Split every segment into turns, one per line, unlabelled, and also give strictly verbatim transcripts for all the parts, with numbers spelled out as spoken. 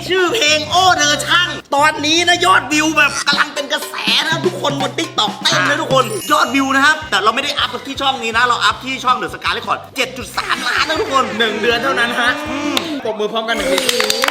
ชื่อเพลงโอ้เธอช่างตอนนี้นะยอดวิวแบบกำลังเป็นกระแสนะทุกคนบน ติ๊กต็อก เต้นนะทุกคนยอดวิวนะครับแต่เราไม่ได้อัพที่ช่องนี้นะเราอัพที่ช่องเดอะสกาเลคอร์ด เจ็ดจุดสาม ล้านนะทุกคน
หนึ่งเดือนเท่านั้นฮะปรบมือพร้อมกันหนึ่งที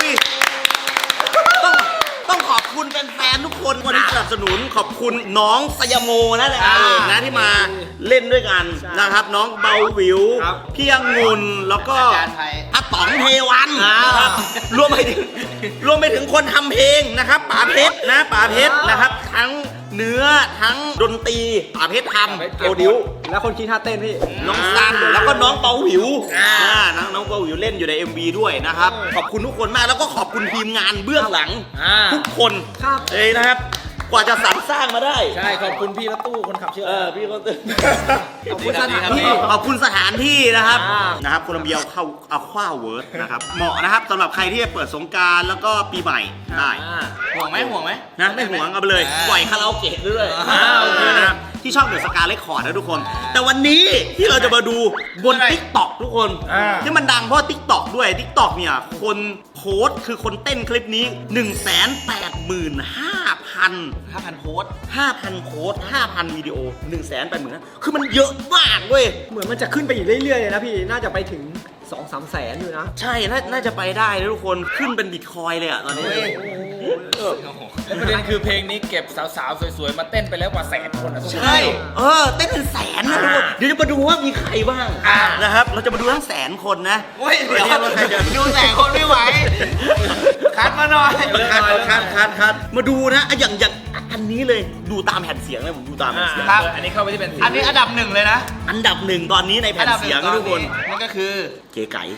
ต้องต้องขอบคุณแฟนๆทุกคนวันนี้สนับสนุนขอบคุณน้องสยโมนะนะที่มาเล่นด้วยกันนะครับน้องเบาวิวพี่องุ่นแล้วก็อาต๋องเทวันนะครับรวมไปถึงรวมไปถึงคนทำเพลงนะครับป๋าเพชรนะป๋าเพชรนะครับทั้งเนื้อทั้งดนตรีป๋าเพชรทำโปรดิว
แล้วคนคิดท่าเต้นพี่
น้องซันแล้วก็น้องเบาวิวน้องน้องเบาวิวเล่นอยู่ใน เอ็ม วี ด้วยนะครับขอบคุณทุกคนมากแล้วก็ขอบคุณทีมงานเบื้องหลังทุกคนเลยนะครับกว่าจะสรรสร้างมาได้
ใช่ขอบคุณพี่รถตู้คนขับเชื่อ
เออพี่เขาตื่นขอบคุณสถานที่ขอบคุณสถานที่นะครับนะครับโคลัมเบียเข้าเอาคว้าเวิร์ดนะครับเหมาะนะครับสำหรับใครที่จะเปิดสงกรานต์แล้วก็ปีใหม่ได้
ห่วงไหมห่วงไหม
นะไม่ห่วงเอาไปเลยปล่อยคาราโอเกะด้วยนะครับที่ช่องเดอะสกาเลคอร์ดนะทุกคนแต่วันนี้ที่เราจะมาดูบน ติ๊กต็อก ทุกคนที่มันดังเพราะ ติ๊กต็อก ด้วย ติ๊กต็อก เนี่ยคนโพสคือคนเต้นคลิปนี้ หนึ่งแสนแปดหมื่นห้าพัน
ห้าพันโพส
ห้าพันโพสห้าพันวิดีโอ หนึ่งแสนแปดหมื่น คือมันเยอะมากเว้ย
เหมือนมันจะขึ้นไปอีกเรื่อยๆเลยนะพี่น่าจะไปถึง สองสาม แสนอยู่นะ
ใช่น่าจะไปได้นะทุกคนขึ้นเป็นบิตคอยเลยอะตอนนี้
ประเด็นคือเพลงนี้เก็บสาวๆสวยๆมาเต้นไปแล้วกว่าแสนคนอ่ะ
ใช่เออเต้นเป็นแสนนะทุกคนเดี๋ยวจะมาดูว่ามีใครบ้างนะครับเราจะมาดูทั้งแสนคนนะ
เดี๋ยวดูแสนคนไม่ไหวคัดมาหน่อย
คัดคัดคัดคัดมาดูนะอย่างอย่างอันนี้เลยดูตามแผ่นเสียงเลยผมดูตามแผ่นเสียง
อันนี้เข้าไปที่เป็นอันนี้อันดับหนึ่งเลยนะ
อันดับหนึ่งตอนนี้ในแผ่นเสียงทุกคน
นั่นก็คือ
เก๋ไก่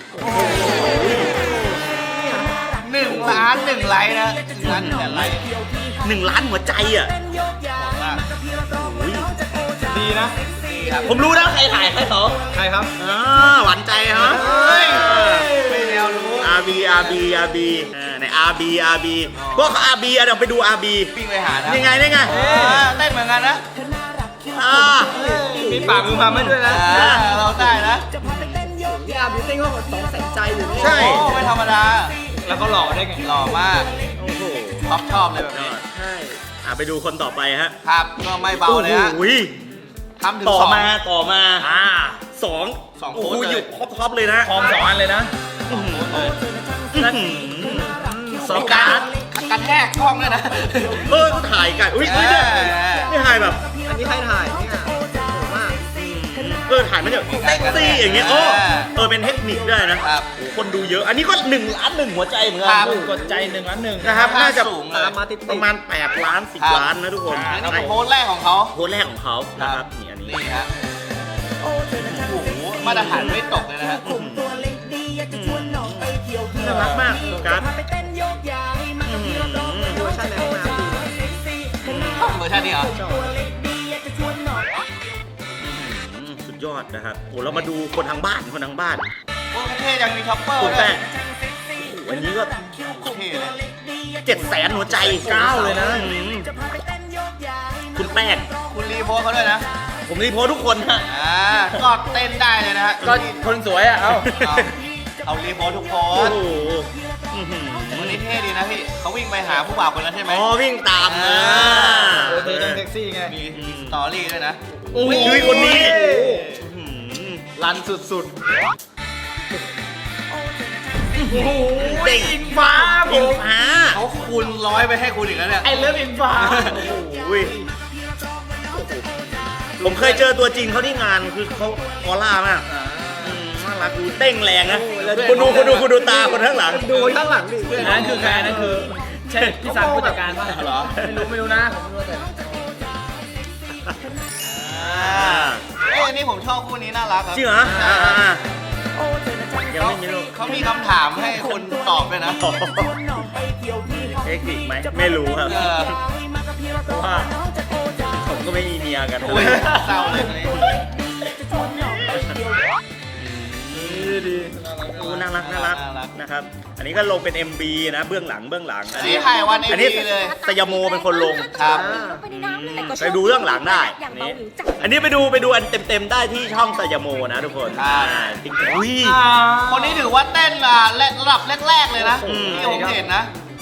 หนึ่งล้านหนึ่งไลค์นะหนึ่งล้านหนึ่งไลค์
หนึ่งล้านหัวใจอ่ะ
ดีนะ
ผมรู้แล้วใครถ่ายใครเขา
ใครครับ
อ่าหวานใจฮะ
ไม่แนวรู้
อาร์ บี อาร์ บี อาร์ บี ใน อาร์ บี อาร์ บี พวก อาร์ บี เดี๋ยวไปดู อาร์ บี
ปิ้งไปหานะ
ยังไงได้ไง
เต้นเหมือนกันนะ
มีปากมือมาไม่ด้วยนะ
เราได้นะ
พี่อาร์ บี เต้นเขาสองแสนใจอยู่
ใช่
ไม่ธรรมดา
แล้วก็หล่อได้ไง
หล่อมากโอ้โหชอบชอบเลยแบบนี้
ใช่อ่ะไปดูคนต่อไปฮะ
ครับก็ไม่เบาเลยฮะทำถึง
ต่อมาต่อมา
อ่า
สอง
สองโ
ค้
ด
อยู่ท็อปเลยนะ
คอมสองอันเลยนะ
สองการ
กระแทกกล้องเลยนะ
เออเขาถ่ายกันอุ้ยอุ้ยเนี่ยนี่ถ่ายแบบ
อันนี้ใครถ่ายเนี่ยผมว่า
เออถ่ายมันแบบเซ็กซี่อย่างเงี้ยโอ้เออเป็นเทคนิคได้นะคนดูเยอะอันนี้ก็หนึ่งล้านหนึ่งหัวใจเหมือนกัน
กดใจหนึ่งล้านหนึ่ง
นะครับน่าจะ
ประ
มาณแปดล้านสิบล้านนะทุกคน
อันนี้โพสแรกของเขา
โพสแรกของเขานะครับนี่อันนี้
นี่ฮะโอ้โหมาตรฐานไม่ตกเลยนะฮะ
น่ารักมากการ์ด
เวอร์ชันไหนมา
เวอร์ชันนี้เหรอ
สุดยอดนะครับโอ้เรามาดูคนทางบ้านคนทางบ้าน
โอ้เท่ยังมีช็อปเปอร์
ด้วยวันนี้ก็
เท่เลย
เจ็ดแสนหัวใจเก้าเลยนะคุณแป้ง
คุณรีโพสเขาด้วยนะ
ผมรีโพสทุกคนฮะ
อ่าก็เต้นได้เลยนะฮะ
ก็คนสวยอ่ะเอา
เอารีโพสทุกโพสวันนี้เท่ดีนะพี่เขาวิ่งไปหาผู้บ่าวคนนั้นใช่ไหม
อ๋อวิ่งตามนะ
เธอต้องเซ็กซี่ไง
มีสตอรี่ด้วยนะ
โอ้ยคนนี้
รันสุดๆ
เด็ก
อิงฟ้า
อิงฟ้า
เขาคูณร้อยไปให้คุณอีกแล้วเนี่ย
ไอเลิฟอิงฟ้า
ผมเคยเจอตัวจริงเขาที่งานคือเขาออร่ามากน่ารักดูเต้งแรงนะคุณดูคุณดูคุณดูตาคนข้างหลัง
ดูข้างหลังดิ
นั่นคือใครนั่นคือใช่พี่ซันผู้จัดการป่ะ
เหรอไม่รู้ไม่รู้นะผมรู้แต่
เอ้ยนี่ผมชอบคู่นี้น่ารักครับ
จริงเหรอ
เขาเขามีคำถามให้คุณตอบด้วยนะ
เทคนิคไหมไม่รู้ครับเพราะว่าผมก็ไม่มีเมียกัน
เศร้าเลย
น่ารักน่ารักนะครับอันนี้ก็ลงเป็น เอ็ม บี นะเบื้องหลังเบื้องหลัง
อันนี้ถ่ายวัน
อันนี้เลยสยโมเป็นคนลง
ครับ
ไปดูเรื่องหลังได้อันนี้ไปดูไปดูอันเต็มๆได้ที่ช่องสยโมนะทุกคน
อุ้ยคนนี้ถือว่าเต้นระดับแรกๆเลยนะที่ผมเห็นนะ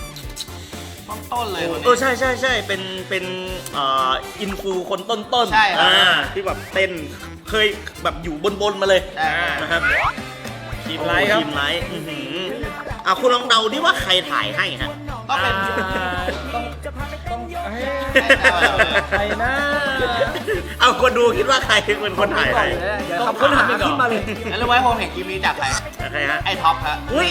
ต้นๆเลยคน
เออ
นี้
ใช่ใช่ใช่เป็นเป็นเอ่ออินฟูคนต้นๆ
ใช่ครับ
อ่าที่แบบเต้นเคยแบบอยู่บนๆมาเลย
ใช่ครับ
นะครับ
ทีมไลท์ครับ
ทีมไลท์อื้อหืออ่ะคุณลองเดาดิว่าใครถ่ายให้ฮะ
ก็เป็น
ต้องต้องเฮ้ย
เอาเอาเอา
ใครนะ
เอาคนดูคิดว่าใครเป็นคนถ่ายให้
เดี๋ยวคำค้นหาขึ้นมาเลย
แล้วรู้ไหมผมเห็นคลิปนี้จากใคร
ใครฮะ
ไอ้ท็อปฮะ
อุ้ย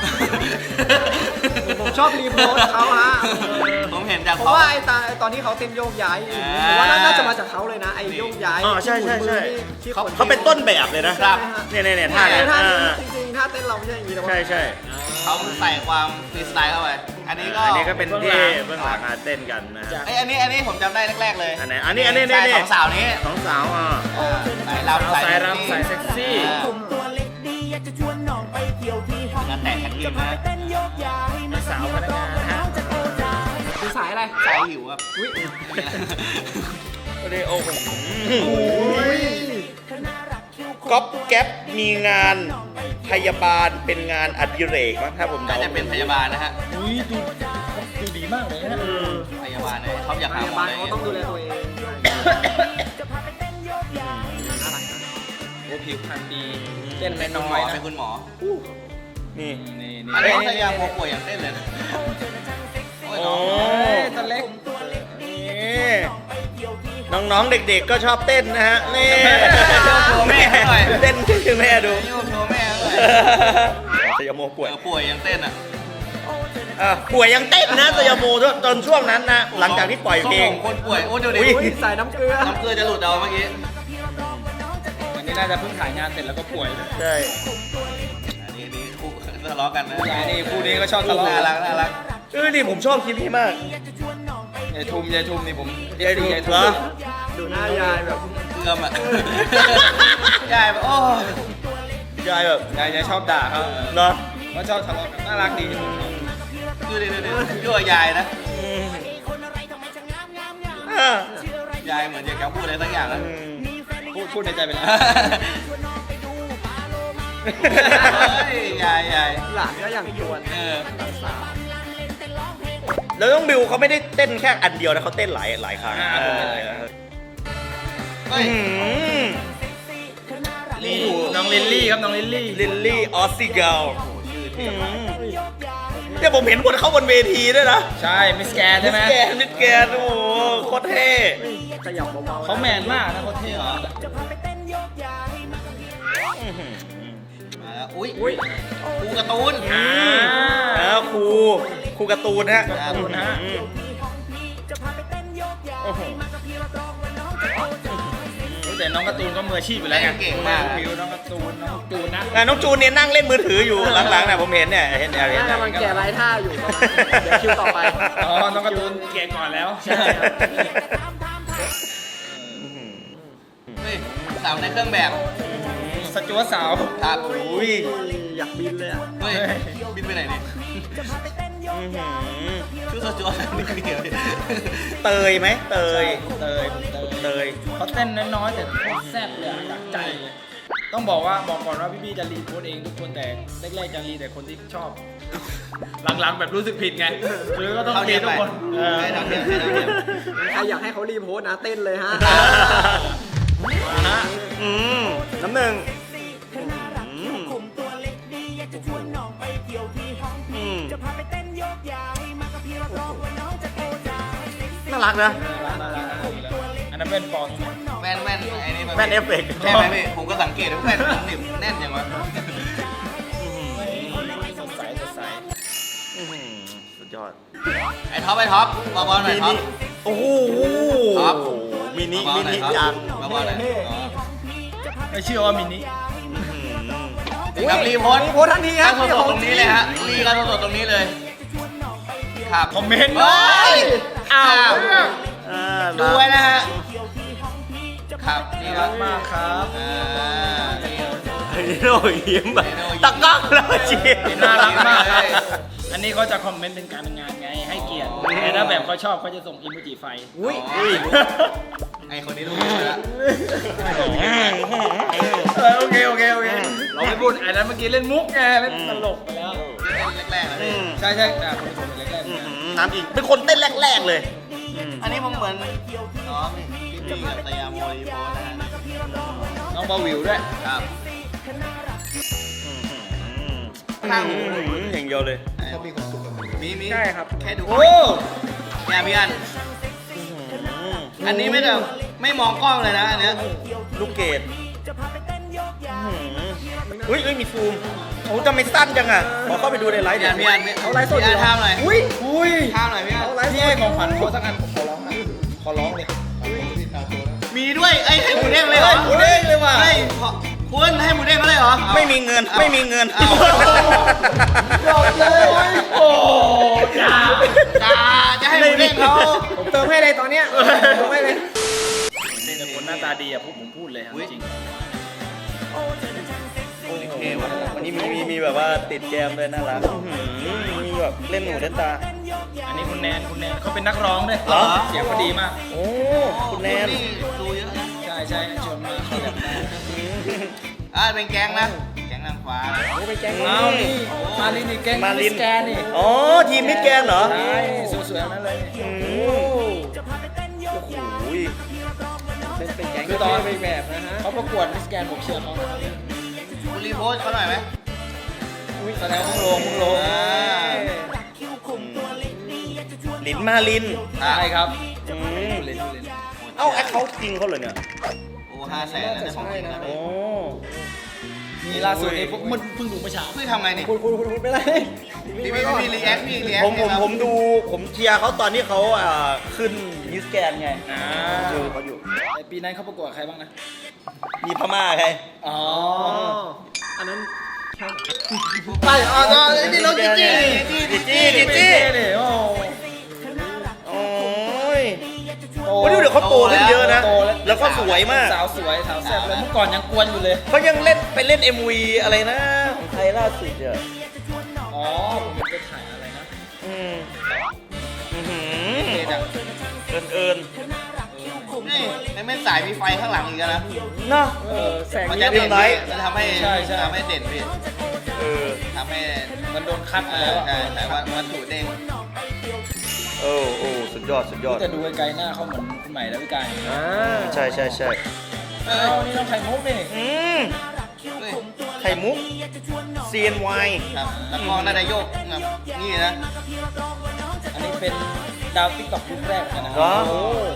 ผมชอบรีโพสต์เขาฮะ
ผมเห็นจาก
เพ
ท็อ
ราะ
ป
ว่าไอ้ตาตอนที่เขาเต้นโยกย้ายผมว่าน่าจะมาจากเขาเลยนะไอ้โยกย้าย
อ๋อใช่ใช่ใช่
ที่
เขา
คน
เขาเป็นต้นแบบเลยนะครับ เนี่ยเนี่ยเนี่ยท่า
ท่า
เนี่ย
ท่า
อ่า
จริงๆท่าเต้นเราไม่ใช่อย่างนี้แต่ว่า
ใช่ใช่
เขาใส่ความฟรีสไตล์เข้าไป อันนี้ก็
อันนี้ก็เป็นที่เบื้องหลังการเต้นกันนะ
ไอยอันนี้อันนี้ผมจำได้แรกๆเลย
อันไหนอันนี้อันนี้
ใช่
นี่
สองสาวนี้
สองสาวอ่ะ
อ่าสายรำ
สายรำสายเซ็กซี่
อ่า
ตัวเล็กดีอยากจะชวนน้องไปเที่ยวที่ห้อง
งานแต่งแท็กทีมนะ
เต้นโยกย้ายมา
สาวพนักงานนะฮะคือสายอะไร
สายหิวครับ
อุ้ย
โอ้โหโอ้โหก๊อปแก๊ปมีงานพยาบาลเป็นงานอดิเรกมั้งถ้าผม
น่า
เดา
จะเป็นพยาบาลนะฮะ
อุ้ยดูดูดีมากเลยนะ
อืม
พยาบาลเนี่ยเขาอยาก
พ
หาห
ยาม
อบ
าล
เลย
เขาต้องดูแลตัวเอง
โอ้ผิวพรรณดี
เต้น
เป็
ไม่
น
น้
คุณหม
อย
อ
นะ
เป็นคุณหมอ
นี่
นี่นี่
อันนี้เขายาโมป่วยอย่างเต้นเลยนะโอ้ย
โอ้
น้อง
ตัวเล็ก
นี่น้องๆเด็กๆก็ชอบเต้นนะฮะนี่
โชว์แม่หน่อย
เต้นให้แม่ดู
นี่ผมโชว์แม่เลย
สยามโมป่วย
เออป่วยยังเต้นอ่ะ
อ่ะป่วยยังเต้นนะสยามโมจนช่วงนั้นนะหลังจากที่ปล่อยเพลง
ขาบกคนป่วยโอ้เดี๋ยวดิ
อุ๊ย
อุ้ยใส่น้ำเกลือ
น้ำเกลือจะหลุดเอาเมื่อกี้
วันนี้น่าจะเพิ่งถ่ายงานเสร็จแล้วก็ป่วยเลย
ใช่
อันนี้นี่คู่ทะเลาะกันนะ
นี่คู่นี้ก็ชอบทะเลาะ
น่ารักน่ารัก
เออนี่ผมชอบคลิปนี้มาก
ยายทุมยายทุมนี่ผม
ยายทุม
ยาย
เหรอ
ดูหน้ายายแบบ
เกือมอ่ะยายแบบโอ้
ยายแบบ
ยายจะชอบด่าเขา
เนาะ
เขาชอบทะเลาะกันน่ารักดี
ดูดิดูดิยั่วยายนะ
อืมอ่ะ
ยายเหมือนอยากจะพูดอะไรสักอย่างนะ
อืม
พูดพูดในใจไปแล้ว
เฮ้ยยายยาย
หลานก็อย่างชวน
เออ
แล้วน้องบิวเขาไม่ได้เต้นแค่อันเดียวนะเขาเต้นหลายหลายครั้ง
อ่า
เออ
เฮ้ย
อืม
นี่น้องลิลลี่ครับน้องลิลลี่
ลิลลี่ออสซิเกลเนี่ยผมเห็นคนเข้าบนเวทีด้วยนะ
ใช่มิสแกนใช่ไหม
มิสแกนมิสแกนโอ้โหโคตรเท่
ขยับเบาๆเขาแมนมากนะเขาเท่เหรอ
อื้อหือ
มาแล้วอุ้ย
อุ้ย
ครูการ์ตูน
อ่า
แล้วครูครูการ์ตูนฮะ
การ์ตูนฮะ
อืมโอ้โห
แต่น้องการ์ตูนก็มืออาชีพอยู่แล้วไง
เก่งมาก
ผิวน้องการ์ตูนน้องจูนนะ
อ่ะน้องจูนเนี่ยนั่งเล่นมือถืออยู่หลังๆนะผมเห็นเนี่ยเห็นเห็น
น่าจะมันแก่ไร้ท่าอยู่ประมาณเดี๋ยวคิวต่อไปอ๋อน้องการ์ตูนแก่ก่อนแล้วใช่ครับ
เฮ้ยสาวในเครื่องแบบ
สจวตสาว
ครับ
อุ้ย
อยากบินเลยอ่ะ
เฮ้ยบินไปไหนเนี่ย
อื้อหือ
ชื่อสจวตนี่เดียว
เตยไหมเตย
เตยเตย
เตย
เขาเต้นน้อยๆแต่โคตรแซ่บเลยอะจากใจเลยต้องบอกว่าบอกก่อนว่าพี่บี้จะรีโพสต์เองทุกคนแต่แรกๆจะรีแต่คนที่ชอบ หลังๆแบบรู้สึกผิดไงคือก็ต้อง
เขา
รี
เทียม
ทุ
ไป
กคน
ให้เท่าเทียมให้เท่าเทียม
ใครอยากให้เขารีโพสต์นะเต้นเลยฮะ
มาฮะอืมน้ำหนึ่งอืมอืมน่ารักนะ
อันนั้นเป็นปอน
แว่นแว่นไอ้นี่
แว่นเอฟเฟกต์
ใช่ไหมพี่ผมก็สังเกตว่าแว่นมันหนิบแน่นอย่างวะ
สดใสสดใส
อื้อหือสุดยอด
ไอ้ท็อปไอ้ท็อปเบาๆหน่อยท็อป
โอ้โห
ครับ
มินิ
เบา
มิ
ๆหน่อ
นิ
ยท็อป
จัง
เบาๆหน่อยอ๋อ
ไม่เชื่อว่ามินิ
อื้อหือ
ครับรีโพสต์
รีโพสต์ทันทีครับ
ตั้งสดๆตรงนี้เลยฮะรีกันสดๆตรงนี้เลย ครับ
คอมเมนต์
เฮ้ย
อ้าว
อ่า
ดูไว้นะฮะ ครับนี่
นี่
ค
รั
รับ
กมากครับ
อ่านี่
ไอ้โน่ยิ้มแบบตะก้องแล้วเชียร์
น่ารักมากครับอันนี้เขาจะคอมเมนต์เป็นการเป็นงานไงให้เกียรติแต่ถ้าแบบเขาชอบเขาจะส่งอิโมจิไฟ
อุ้ย
ไอคนนี้รู้อยู่แล้ว
เออโอเคโอเคโอเคเราไม่พูดอันนั้นเมื่อกี้เล่นมุกไงเล่นตลกไปแล้ว
แรกๆนะ
อื
พี่
ม
ใช่ใช่อ่ะคนที่ผมเป็นแรกๆ
อื้อ
นะ
หือน้ำจริงเป็นคนเต้นแรกๆเลย
อันนี้ผมเหมือนน้องพี่พี่กับตยาโมรีโพสนะฮะ
น้องบาวิวด้วย
ครับ
ข้างอย่างเดียวเลย
มีมี
ใช่ครับ
แค่ดู
โอ้
เนี่ยพี่อันอันนี้ไม่แบบไม่มองกล้องเลยนะอันเนี้ย
ลูกเกดอุ้ยเอ้ยมีฟูมโอ้ทำไมสั้นจังอ่ะขอเข้าไปดูในไลฟ์
พี่
เดี๋
อั
ย
น
ว
พี่อัน
เอาไลฟ์สด
พี่อันทำหน่อย
อุ้ยอุ้ย
ทำหน่อยพี่อัน
พี่ให้ของขวัญเขาสักอันผมขอร้องนะขอร้องเลย
มีด้วยไอ้ยให้หมูเด้งเลยเหรอ
หมูเด้งเลยว่ะ
ให้ขอคุณให้หมูเด้งเขาเลยเหรอ
ไม่มีเงินไม่มีเงิน
เอา
ยอดเลยโอ้จ้า
จ้าจะให้หมูเด้งเขา
ผมเติมให้เลยตอนเนี้ยเติมให้เลยแต่คนหน้าตาดีอะพวกผมพูดเลยอะจริง
โอเคว่ะ
วันนี้มีมีมีแบบว่าติดแกมเลยน่ารักมีแบบเล่นหนูเล่นตา
อันนี้คุณแนนคุณแนนเขาเป็นนักร้องด้วย
เหรอ
เสียงเขาดีมาก
โอ้คุณแนน
ดูเยอะนะ
ใช่ใช่ชวนมาเขาอยากได้
อ่าเป็นแก๊งนะแก๊งนางฟ้า
โอ้ไปแกงเอานี่มาลินนี่แกง
มาลิน
สแกนนี่
อ๋อทีมมิสแกนเหรอ
ใช่สวยๆนั่นเลย
อืม
โอ้
โอ้โห
เป็นแกงคือตอนเป็นแบบนะฮะเขาประกวดมิสแกนผมเชียร์เขานะครับ
คุณรีโพสเขาหน่อยไหม
อุ้ยแสดงว่ามึงลงมึงลง
อ่า
ลินมาลิน
ใช่ครับ
อืม
เล่นเล่น
เอ้าแอคเขาจริงเขาเลยเนี่ย
โอ้ห้าแสนนะของจริงนะ
โอ้
มีล่าสุดนี่ผมมันเพิ่งดูเมื่อเช้า
พี่ทำไงนี่
คุณคุณคุณคุณเป็นไร
พี่พี่พี่รีแอคพี่รีแอค
ผมผมผมดูผมเชียร์เขาตอนที่เขาอ่าขึ้นมิสแกนไง
อ่า
ดูเขาอยู่
แต่ปีนั้นเขาประกวดใครบ้างนะ
มีพม่าใคร
อ๋อ อันนั้น
ไปอ๋อนี่น้องจิ๊จี้
จิจี้จิจี้
เนี่ยโอ้
โอ้ย โอ้ดูเดี๋ยวเขาโตขึ้นเยอะนะ
โตแล้ว
แล้วก็สวยมาก
สาวสวยสาวแซ่บเลยเมื่อก่อนยังกวนอยู่เลย
เขายังเล่นไปเล่น เอ็ม วี อะไรนะ ของไทยล่าสุดอ่ะ
อ๋อ ผมไปถ่ายอะไรนะ
อืมอือหื
เด็ดอ่ะ
อเอินเอิน
นี่ไม่ไม่สายมีไฟข้างหลังอีกแล้วนะ
เนาะ
เออแสง
มัน
นี้
จะ
เรี
เด่
ย
น
บร้อย
จะทำให้
ใช่ใช่
ทำให้เด่นพี่
เออ
ทำให้
มันโดนคัด
เอ
มา
อ
แล้วอะ
ใช่ใช่ว่าวัตถุเด้ง
โอ้โอ้สุดยอด สุดยอด
แต่ดูไกลๆหน้าเขาเหมือนคุณใหม่ดาวิกาอย่างนี้
ใช่ใช่ใช่
เอ
เอ้า
อ
นี่ต้องไข่มุกนี่
อืม
นี่
ไข่มุก ซี เอ็น วาย
ครับแล้วก็น่าจะโยกแบบนี่นะ
อันนี้เป็นดาวติ๊กต็อกยุคแรกกันนะค
เหร
รั
อ
โอ้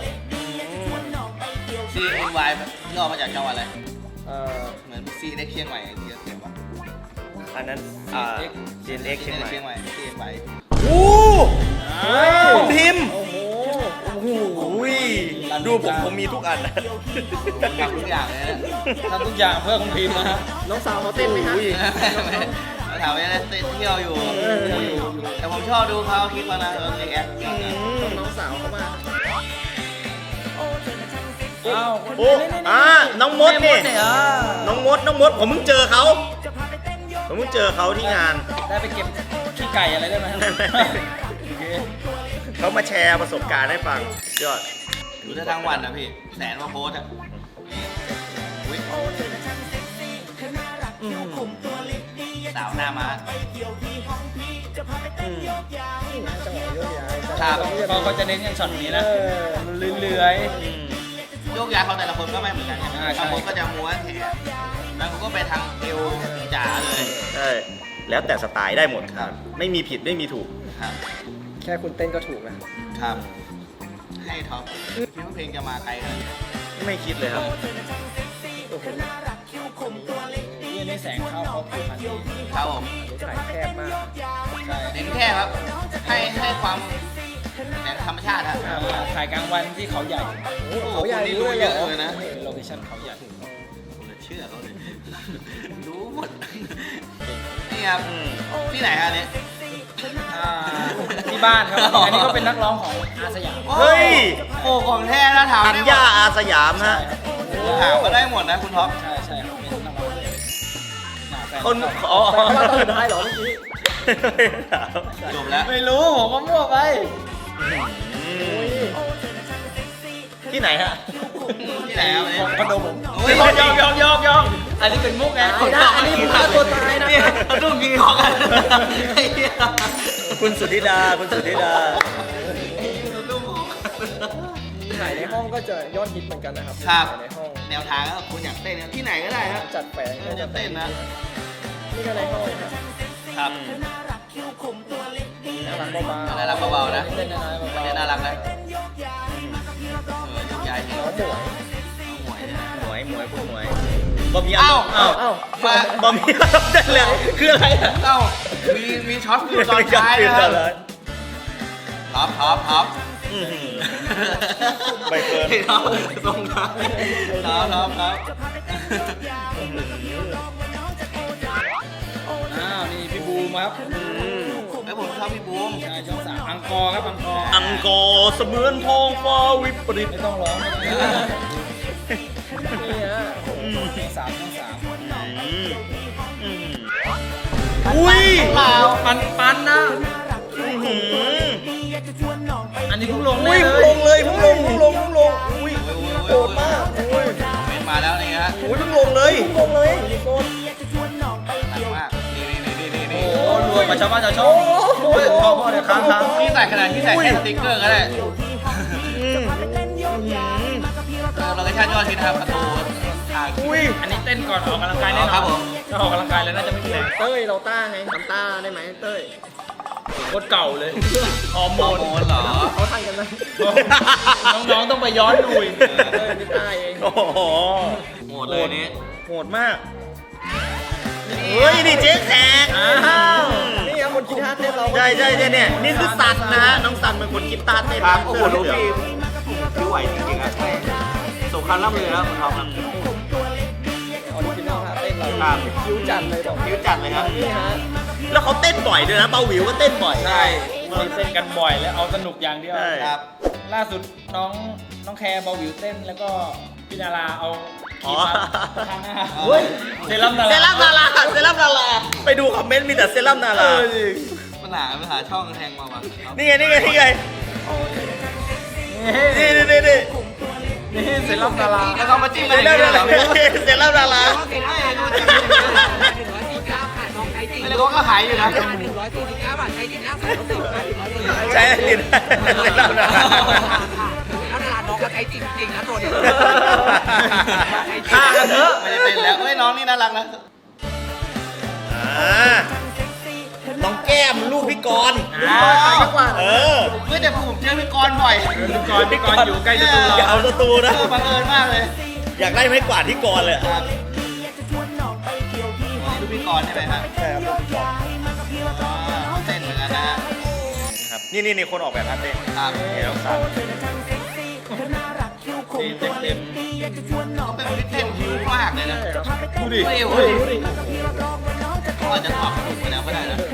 ซีเอ็นวายย่อมาจากจังหวัดอะไร
เอ่อ
เหมือนซีเล็กเชียงใหม่ที่เราเขียนว่า
อันนั้น อ่า ซี เอ็น เอ็กซ์ เชียงใหม่
เชียงใหม่ซีเอ็นวาย
โอ้คุณพิมพ์
โอ้โห
โอ้โหดูผมผมมีทุกอันนะ
ทำทุกอย่างเลยนะ
ทำทุกอย่างเพื่อคุณพิมพ์นะฮะน้องสาวเขาเต้นไหมฮะ
เราถามว่าเต้นเที่ยวอยู่ แต่ผมชอบดูเขาคลิปมานะเออรีแอค
น้องสาวเขามาอ้าว
โอ้อ่าน้องมดนี่
เนี่ยอ่ะ
น้องมด น้องมด ผมเพิ่งเจอเขา ผมเพิ่งเจอเขาที่งาน
ได้ไปเก็บขี้ไก่อะไรได้ไหมโอเค
เขามาแชร์ประสบการณ์ให้ฟังยอด
ดูได้ทั้งวันนะพี่ แสนกว่าโพสต์อ่ะอุ๊ยสาวหน้ามาครับ
เขาเขาจะเน้นอย่างช็อตนี้นะเลื้อย
โยกย้ายเขาแต่ละคนก็ไม่เหมือนกันไง
อ่าใช่
บางคนก็จะม้วนแขนบางคนก็ไปทางเอวจ๋าเลย
ใช่ แล้วแต่สไตล์ได้หมดครับ ไม่มีผิดไม่มีถูก
ครับ
ๆแค่คุณเต้นก็ถูกนะครับ
ให้ท็อปคิดว่าเพลงจะมาไกลขนาดนี้
ไม่คิดเลยครับ
นี่ในแสงเข้าเขาผิวพรรณดี
ครับผม
ถ่ายแคบมากใช่
เน้นแค่ครับ ให้ให้ความแสงธรรมชาติครับ
อ่าถ่ายกลางวันที่เขาใหญ่
โอ้โหคนนี้รู้เยอะเลยนะ
โลเคชั่นเขาใหญ่
เชื่อเขาเลย รู้หมด นี่ครับ
อืม
ที่ไหนฮะเนี่ย
อ่าที่บ้านครับ อันนี้ก็เป็นนักร้องของอาสยาม
เฮ้ย
โอ้ของแท้นะถาม
อัญ
ได้หม
ญา
ด
อาสยาม
ใช่
ฮะ
ครับ
ถามก็ได้หมดนะคุณท็อป
ใช่ใช่ครับเป็นนักร้องเลยหาแฟ
คนอ๋อ
แต่ว่าตอนสุดท้ายเหรอเมื่อกี้
จบแล้ว
ไม่รู้ผมก็มั่วไป
ที่ไหนฮะ
ที่ไหนครับเนี่ย
คอนโดผม
โอ้ย
ยอกยอกยอกยอกยอกอันนี้เป็นมุกไง
อันนี้ฆ่าตัวตายนะเนี่ยเขาต้องยิงของกันไอ้เหี้ย
โอ้โหคุณสุธิดาคุณสุธิดา
ถ่ายในห้องก็จะยอดฮิตเหมือนกันนะครับ
ครับ
ถ่ายในห้อง
แนวทางก็คุณอยากเต้นนะที่ไหนก็ได้ครับ
จัดแฝง
ก็จะเต้นนะ
นี่ก็ในห้องครับ
ครับ
น่ารักเบาๆ
น่ารักเบาๆนะ
เล่นน่ารักเบา
เต้น
ๆ
น่ารักนะเออลูกยายเห็น
น้องหมวย
หวยเนี่ยนะ
หมวยหมวยคุณหมวยบอมี
เอ้า
เอ้า
เอ้า
มา
บอมีเต้นเลยคืออะไรอะ
เอ้ามีมีช็อตฟิวตอนท้ายนะครับท็อปท็อปท็อป
อื้อหือ ใบเฟิร์น
ท็อปตรงท้ายท็อปท็อปท็อป
อ้าวนี่พี่บูมครับ
ไอ้ยผมชอบพี่บูม
ใช่ช่องสามอังกอร์ครับอังกอร์
อังกอร์เสมือนทองฟ้าวิปริต
ไม่ต้องร้องไม่ต้องร้อง
นี่ฮะ
อืม
ช่องสามช่องสาม
อืมอืมอุ้ย
เปล่า
ปันปันนะ
อื้อหือ
อันนี้เพิ่งลง
อุ้
ได้
ย
เล
เพิ่งล
ย
งเลยเพิ่งลงเพิ่งลงเพิ่งลงอุ้ย
โหดมากเป็นมาแล้วนี่ฮะ
อุ้ยเพิ่งลงเลย
ลงเลยโกน
หนักมากนี่นี่นี่นี่นี่
โอ้รวยมาชาวบ้านชาวช่องโอ้ยพ่อพ่อเดี๋ยวค้างค้าง
นี่ใส่ขนาดที่ใส่แค่สติ๊กเกอร์ก็ได้
อืม
เราก็ชาติยอดฮิตนะครับประตูทาง
อุ้ย
อันนี้เต้นก่อนออกกำลังกายแน่น
ครั
อบ
ผ
น
ม
ถ้าออกกำลังกายแล้วน่าจะไม่มีแรง
เต้ยเราต้าไงทำต้าได้ไหมเต้ย
โคตรเก่าเลยฮอร์โม
โม
น
นเหรอ
เขาทันกันไหม
น้องๆต้องไปย้อนดูอีก
เต้ยนี่ต้าเอง
โอ้โห
โหดเลยนี่
โหดมากเฮ้ยนี่เจ๊แขก
อ้าว
นี่ครับคนคิดท่าเต้นเรา
ใช่ใช่ใช่เนี่ยนี่คือสัตว์นะฮะน้องสันเป็นคนคิดตาเต้น
ครับ
นะ
โอ้โห
เสื้
ลู
อก เหลือง
พี่พี่ไหวจริงๆครับสงครามล่ำเรือครับคุณทอมครับ
ออริจินอลท่าเต้นเรา
ครับ
คิ้วจัดเลยบอก
คิ้วจัดเลยครับ
นี่ฮะ
แล้วเขาเต้นบ่อยด้วยนะเบาหวิวก็เต้นบ่อย
ใช่เต้นกันบ่อยแล้วเอาสนุกอย่างเดียว
ใช่
ครับ
ล่าสุดน้องน้องแคร์เบาหวิวเต้นแล้วก็พี่นาราเอาค
อ๋
รี
อ
มมาทาหน้า
เฮ้ย
เซรั่มนารา
เซรั่มนาราเซรั่มนาราไปดูคอมเมนต์มีแต่เซรั่มนารา
ปัญหาปัญหาช่องแทงมาว่ะ
นี่ไงนี่ไงนี่ไงนี่นี่นี่นี่
นี่เซรั่มนารา
แล้วก็มาจิ้ม
เซ
กันอย่าง
รั่ม
นี้
นา
เหร
รา
อ
เซรั่มนารา
แล้วก็ขายอยู่นะ
ใช่จริงเซรั่มนารา
ฆ่ากันเถอะ
ไม่ได้เป็นแล้วเฮ้ยน้องนี่น่ารักนะ
อ่าน้องแก้มลูกพี่กรณ์
อ่า
เออ
เฮ้ยแต่ผมเจอพี่กรณ์บ่อย
พี่กรณ์พี่กรณ์อยู่ใกล้จะตู
อย่า
เรา
เอาสตู
เอ
นะ
อบังเอิญมากเลย
อยากได้ไม้กวาดที่กรณ์เลย
ครับดูพี่กรณ์ใช่ไหมฮะ
ใช่ครับ
อ๋อเต้นเหมือนกันนะฮะ
ครับนี่นี่นี่คนออกแบบท่าเต้น
ครับ
เห็นน้องสัน
ทีมเต็มเต็ม
เขาเป็นคนที่เต้นหิวมากเลยนะ
ดูดิ
เฮ้ย
เฮ้ย
เขาอาจจะถอดกระดูกไปแล้วก็ได้นะ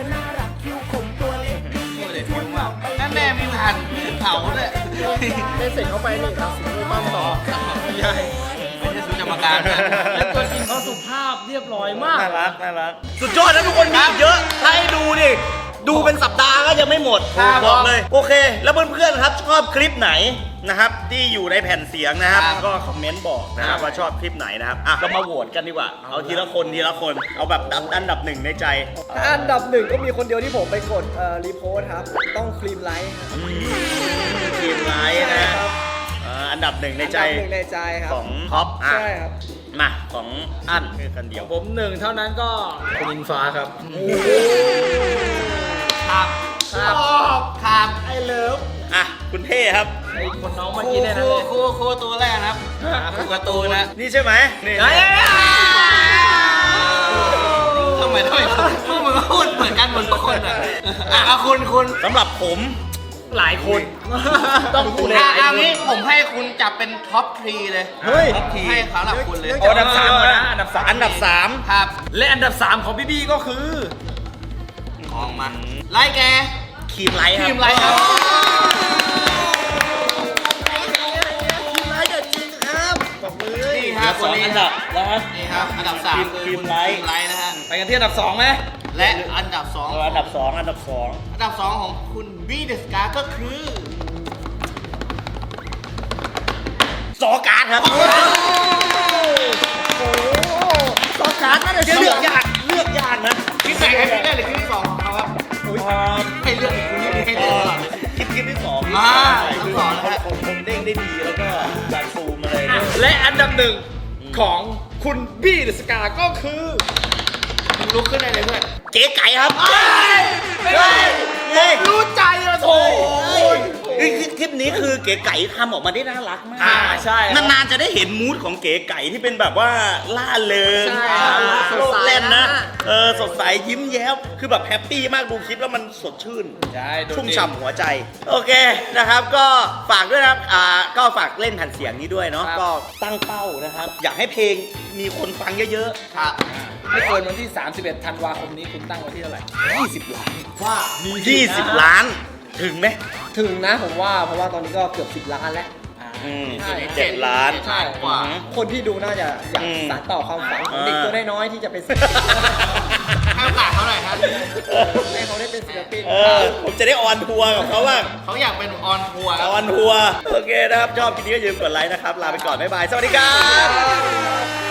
ดูดิหิวมากนั่นแน่มีผ่านเผาด้วย
เต้นเสร็จเข้าไปนี่ตัดสินด้วยปั้มต่อ
ไม่ใช่
ไม่ใช่สุจกรรมการนะ
แล้วตัวจริงเขาสุภาพเรียบร้อยมาก
น่ารักน่ารักสุดยอดนะทุกคนมีอีกเยอะถ้าให้ดูดิดูเป็นสัปดาห์ก็ยังไม่หมด
ครับ
บอกเลย โอเค แล้วเพื่อนๆครับชอบคลิปไหนนะครับที่อยู่ในแผ่นเสียงนะครับ
ครับ
ก็คอมเมนต์บอกนะครับว่าชอบคลิปไหนนะครับอ่ะเรามาโหวตกันดีกว่าเอาทีละคนทีละคนเอาแบบอันดับหนึ่งในใจ
ถ้าอันดับหนึ่งก็มีคนเดียวที่ผมไปกดเอ่อรีโพสต์ครับ ต้องครีมไลท์ครับ
ทีมไลท์นะอ่าอันดับหนึ่งในใจ
อันดับหนึ่งในใจครับ
ของท็อปอ่ะ
ใช่ครับ
มาของอันคือกันเดียว
ผมหนึ่งเท่านั้นก็คุณอิงฟ้าครับ
ครับครับครับ
ไอเลิฟ
อ่ะคุณเท่ครับ
ไอ้คนน้อง
ค
เมื่อ
รู
กี้เนี่ย
ค
นะ
รู
เลย
ครูครูตัวแรกนะครับครูการ์ตูนนะ
นี่ใช่ไหมนี่
เฮ้ย
ทำไมทำไมพวกมึงก็พูดเหมือนกันหมดทุกคนอ่ะอ่ะเอาคุณคุณ
สำหรับผม
หลายคน
ต้องคุณ
อ่ะเอางี้ผมให้คุณจับเป็นท็อปทรีเลย
เฮ้ย
ท็อปทรีให้สำหรับคุณเลย
เอาอันดับสามก่อนนะอันดับสาม
อันดับสาม
ครับ
และอันดับสามของพี่บี้ก็คือ
ออกมาไล่แก
ครีมไลท์ครับ
ทีมไรครับ
บอกมือ
นี่
เห
ค
ลื
รั
อบ ส
ค
อน ง
นี้
อันดับแล้วครับ
นี่ครับอันดับสาม
ทีม
คือ
ทีม
คุณ
ไลท์
ทีมไลท์นะฮะ
ไปกันที่อันดับสองไหม
และอันดับสอง
เอาอันดับสองอันดับสอง
อันดับสองของคุณบีเดสกาก็คือ
ซอการ์ดครับ
ซอการ์ดน่าจะ
เลือกยากเลือกยากนะ
ที่ไหนครับที่ได้หรือที่ที่สองของเขาครับ
อ่า
ให้เลือกอีก
และอันดับหนึ่งของคุณบี้เดอะสกาก็คือมึงลุกขึ้นได้เลยเพื่อน
เก๋ไก่ครับ
รู้ใจอะโถ
คือคลิปนี้คือเก๋ไก่ทำออกมาได้น่ารักมาก
อ่าใช่
นานๆจะได้เห็นมูดของเก๋ไก่ที่เป็นแบบว่าล่าเริง
ใช่
อ่า
สดใส
เล่นนะ
นะ
เออสดใสยิ้มแย้มคือแบบแฮปปี้มากดูคลิปแล้วมันสดชื่น
ใช่โดดเด่น
ชุ่มฉ่ำหัวใจ โอเคนะครับก็ฝากด้วยนะครับอ่าก็ฝากเล่นแผ่นเสียงนี้ด้วยเนาะ
ครับ
ก็ตั้งเป้านะครับ อยากให้เพลงมีคนฟังเยอะๆครับ
ไม่เกินวันที่ สามสิบเอ็ด ธันวาคมนี้คุณตั้งไว้ที่เท่าไหร่
ยี่สิบล้าน
ว่า
ยี่สิบล้านถึงไหม
ถึงนะผมว่าเพราะว่าตอนนี้ก็เกือบสิบล้านแล้ว
อืม
ใช่
เจ็ดล้าน
ใช่
กว่า
คนที่ดูน่าจะอยาก
อืม
สานต่อความฝันของ
อ่า
เด็กตัวน้อยๆที่จะเป็นศิลปิน
ให้โอกาสเขาหน่อยครับ
ให้เขาได้เป็นศิลปิน
เออผมจะได้ออนทัวร์กับเขาบ้าง
เขาอยากเป็นออนทัวร์ครับ
ออนทัวร์โอเคนะครับ ชอบคลิปนี้ก็อย่าลืมกดไลค์นะครับ ลาไปก่อน บ๊ายบาย สวัสดีครับ